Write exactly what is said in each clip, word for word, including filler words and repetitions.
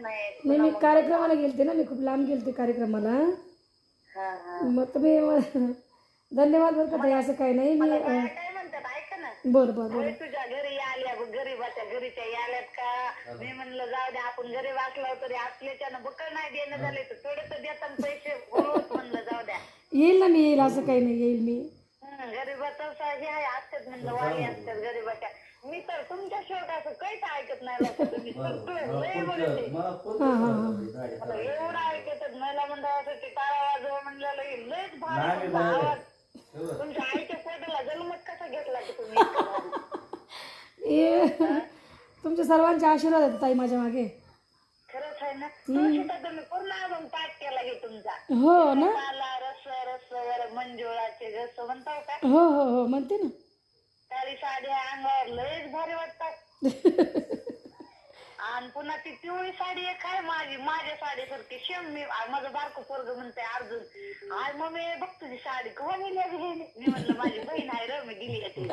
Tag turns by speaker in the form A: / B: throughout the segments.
A: नाही
B: नाही मी कार्यक्रमाला गेलते ना, मी खूप लांब गेलते कार्यक्रमाला.
A: हा हा
B: मग तुम्ही धन्यवाद बरं का ताई, असं काही नाही. मी
A: मला बाया काय म्हणतात ऐका ना,
B: बरं बरं
A: होय
B: बरं
A: तुझ्या घरी आल्या बघ, गरीबाच्या घरीच्या आल्यात का? मी म्हणलं जाऊ दे, आपण गरीब असलो तरी असल्याच्यानं बकळ नाही देणं झाले तर थोडे तर देतात पैसे, होत म्हणलं जाऊ द्या.
B: येईल ना मी, येईल, असं काही नाही, येईल मी.
A: हं, गरीबाचं असं हे आहे, असतात म्हणलं वाली असतात गरीबाच्या. मी तर तुमच्या शेवट असं काहीच ऐकत नाही लोकं, तुम्ही सगळं लय बघते.
B: हां हां हां
A: मला एवढं ऐकतात, महिला मंडळासाठी टाळा वाजवा म्हणलेलं की लयच भारी तुमचा आवाज. तुमच्या आईच्या पोटाला जन्मच कसा घेतला की तुम्ही इतकं भारी?
B: ये तुमच्या सर्वांचे आशीर्वाद आहेत ताई माझ्या मागे.
A: खरंच आहे ना, तुळशीचा तुम्ही पूर्ण अजून पाठ केला की तुमचा.
B: हो ना,
A: मला रस रस वर मंजुळाचे रस म्हणताव का?
B: हो हो हो म्हणते ना.
A: काळी साडी अंगावर लयच भारी वाटतात. आणि पुन्हा ती पिवळी साडी एक आहे माझी, माझ्या साडीसारखी सेम. मी माझं बारकं पोरगं म्हणते अर्जुन, आय मम्मी बघ तुझी साडी केव्हा नेली आहे गेली. मी म्हणलं माझी बहीण आहे र, मी दिली आहे ती.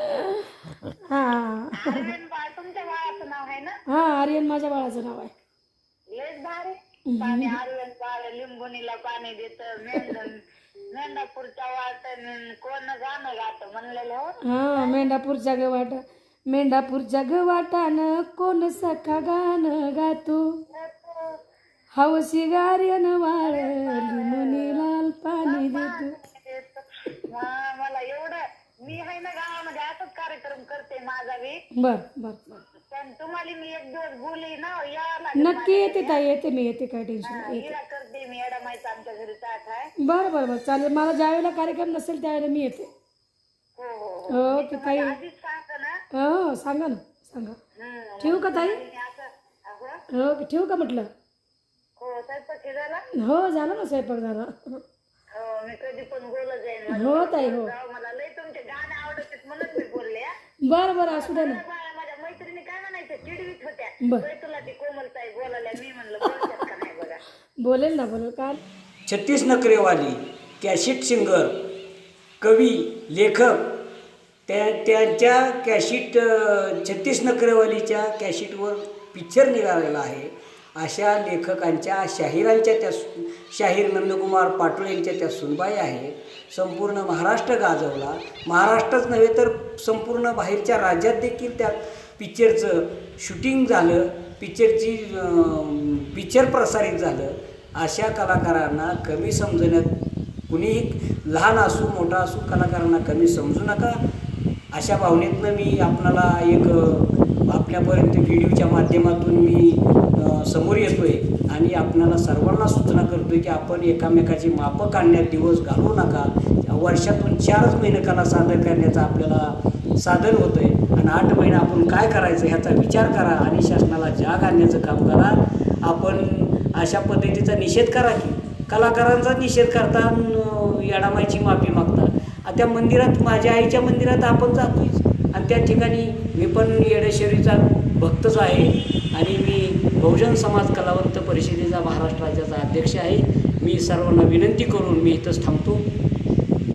B: हां
A: आर्यन बाळ तुमच्या बाळाचं नाव आहे ना?
B: हां आर्यन माझ्या बाळाचं नाव आहे.
A: लयच भारी. पाणी आर्यन बाळ लिंबुनीला पाणी देत, मेंढ मेंढापूरच्या वाटण कोण गाणं गात म्हणलेलं हो.
B: हां मेंढापूरच्या गवाट, मेंढापूरच्या गवाटानं कोण सखा गाणं गातो, हवशी गार्यन वाळ लिंबुनी लाल पाणी देतो.
A: हा, मला एवढं, मी आहे ना गावामध्ये असंच कार्यक्रम करते माझा बी.
B: बर बर बर
A: पण तुम्हाला मी एक दिवस बोलली ना, या
B: नक्की येते ताई, येते मी, येते, काय टेन्शन नाही.
A: हिला करते मी, एडा माहिती आमच्या घरी ताट आहे.
B: बरं बरं बरं चालेल, मला ज्यावेळेला कार्यक्रम नसेल त्यावेळेला मी येते.
A: हो हो
B: हो की ताई,
A: आधीच सांगतो ना.
B: हो सांगा ना, सांगा.
A: हम्म,
B: ठेवू का ताई?
A: मी असं अहो,
B: हो की ठेवू का म्हटलं?
A: हो स्वयंपाक हे झाला.
B: हो झालं ना, स्वयंपाक झाला.
A: हो मी कधी पण बोलत जाईन.
B: हो ताई हो.
A: जाऊ, मला लय तुमचे गाणे आवडतात म्हणून मी बोलले. हा.
B: बरं बरं असू द्या ना.
A: बाळा, माझ्या मैत्रिणी काय म्हणायचं, चिडवीत होत्या,
B: बर.
A: "होय, तुला ती कोमलताई बोलायला." मी म्हणलं बोलतात का नाही बघा.
B: बोलेल ना, बोलेल का.
C: छत्तीस नखरेवाली कॅशिट सिंगर, कवी, लेखक, त्या त्यांच्या कॅशिट छत्तीस नखरेवालीच्या कॅशिटवर पिक्चर निघालेला आहे. अशा लेखकांच्या, शाहिरांच्या त्या शाहीर नंदकुमार पाटोळे यांच्या त्या सुनबाई आहेत. संपूर्ण महाराष्ट्र गाजवला, महाराष्ट्रच नव्हे तर संपूर्ण बाहेरच्या राज्यात देखील त्या पिक्चरचं शूटिंग झालं, पिक्चरची पिक्चर प्रसारित झालं. अशा कलाकारांना कमी समजण्यात कुणीही, लहान असू मोठा असू, कलाकारांना कमी समजू नका. अशा भावनेतनं मी आपणाला एक आपल्यापर्यंत व्हिडिओच्या माध्यमातून मी समोर येतो आहे आणि आपणाला सर्वांना सूचना करतो आहे की आपण एकामेकाची मापं काढण्यात दिवस घालवू नका. वर्षातून चारच महिने कला सादर करण्याचं आपल्याला साधन होतं आहे आणि आठ महिने आपण काय करायचं ह्याचा विचार करा आणि शासनाला जाग आणण्याचं काम करा. आपण अशा पद्धतीचा निषेध करा की कलाकारांचा निषेध करता, येडामाईची माफी मागता. त्या मंदिरात, माझ्या आईच्या मंदिरात आपण जातोच आणि त्या ठिकाणी मी पण येडेश्वरीचा भक्तच आहे आणि मी बहुजन समाज कलावंत परिषदेचा महाराष्ट्र राज्याचा अध्यक्ष आहे. मी सर्वांना विनंती करून मी इथंच थांबतो.